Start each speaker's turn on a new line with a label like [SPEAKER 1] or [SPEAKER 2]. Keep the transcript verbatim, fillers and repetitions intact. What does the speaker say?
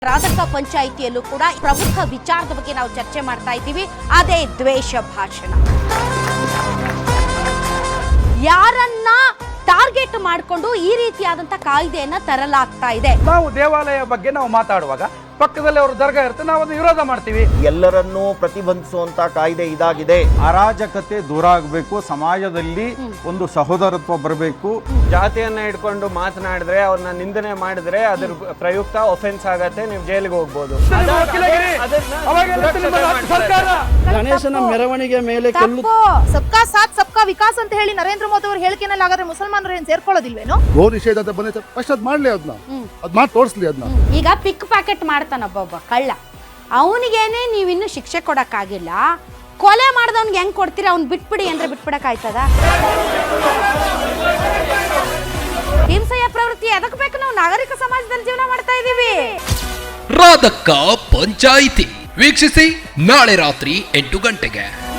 [SPEAKER 1] ರಾಧಕ ಪಂಚಾಯಿತಿಯಲ್ಲೂ ಕೂಡ ಪ್ರಮುಖ ವಿಚಾರದ ಬಗ್ಗೆ ನಾವು ಚರ್ಚೆ ಮಾಡ್ತಾ ಇದ್ದೀವಿ. ಅದೇ ದ್ವೇಷ ಭಾಷಣ. ಯಾರನ್ನ ಟಾರ್ಗೆಟ್ ಮಾಡಿಕೊಂಡು ಈ ರೀತಿಯಾದಂತ ಕಾಯ್ದೆಯನ್ನ ತರಲಾಗ್ತಾ ಇದೆ.
[SPEAKER 2] ನಾವು ದೇವಾಲಯ ಬಗ್ಗೆ ನಾವು ಮಾತಾಡುವಾಗ ಪಕ್ಕದಲ್ಲಿ ಅವರು ದರ್ಗಾ ಇರುತ್ತೆ, ನಾವು ಅದನ್ನು ವಿರೋಧ ಮಾಡ್ತೀವಿ.
[SPEAKER 3] ಎಲ್ಲರನ್ನೂ ಪ್ರತಿಬಂಧಿಸುವಂತ ಕಾಯ್ದೆ ಇದಾಗಿದೆ.
[SPEAKER 4] ಅರಾಜಕತೆ ದೂರ ಆಗಬೇಕು, ಸಮಾಜದಲ್ಲಿ ಒಂದು ಸಹೋದರತ್ವ ಬರಬೇಕು.
[SPEAKER 5] ಜಾತಿಯನ್ನ ಇಟ್ಕೊಂಡು ಮಾತನಾಡಿದ್ರೆ ಅವ್ರನ್ನ ನಿಂದನೆ ಮಾಡಿದ್ರೆ ಅದ್ರ ಪ್ರಯುಕ್ತ ಒಫೆನ್ಸ್ ಆಗತ್ತೆ, ನೀವು ಜೈಲಿಗೆ ಹೋಗ್ಬೋದು.
[SPEAKER 6] ಗಣೇಶನ ಮೆರವಣಿಗೆ ಮೇಲೆ
[SPEAKER 7] ಸಬ್ಕಾ ಸಾಥ್ ಸಬ್ಕಾ ವಿಕಾಸ್ ಅಂತ ಹೇಳಿ ನರೇಂದ್ರ ಮೋದಿ ಅವ್ರ ಹೇಳಿಕೆನಲ್ಲಿ ಹಾಗಾದ್ರೆ ಮುಸಲ್ಮಾನರು ಏನ್ ಸೇರ್ಕೊಳ್ಳೋದಿಲ್ವೇನೋ?
[SPEAKER 8] ಗೋ ನಿಷೇಧ ಅಂತ ಬಂದೈತೆ, ಫಸ್ಟ್ ಅದ್ ಮಾಡ್ಲಿ, ಅದನ್ನ ಅದ್ ಮಾಡಿ ತೋರಿಸ್ಲಿ. ಅದನ್ನ
[SPEAKER 1] ಈಗ ಪಿಕ್ ಪ್ಯಾಕೆಟ್ ಮಾಡ್ತಾನೊಬ್ಬ ಒಬ್ಬ ಕಳ್ಳ, ಅವನಿಗೇನೆ ನೀವಿನ್ನು ಶಿಕ್ಷೆ ಕೊಡಕ್ಕಾಗಿಲ್ಲ. ಕೊಲೆ ಮಾಡ್ದವ್ನಿಗೆ ಹೆಂಗ್ ಕೊಡ್ತೀರಾ? ಅವ್ನ್ ಬಿಟ್ಬಿಡಿ ಅಂದ್ರೆ ಬಿಟ್ಬಿಡಕ್ ಆಯ್ತದ? ಹಿಂಸೆಯ ಪ್ರವೃತ್ತಿ ಎದಕ್ ಬೇಕು? ನಾವು ನಾಗರಿಕ ಸಮಾಜದಲ್ಲಿ ಜೀವನ ಮಾಡ್ತಾ ಇದೀವಿ.
[SPEAKER 9] ರಾಧಕ ಪಂಚಾಯಿತಿ ವೀಕ್ಷಿಸಿ ನಾಳೆ ರಾತ್ರಿ ಎಂಟು ಗಂಟೆಗೆ.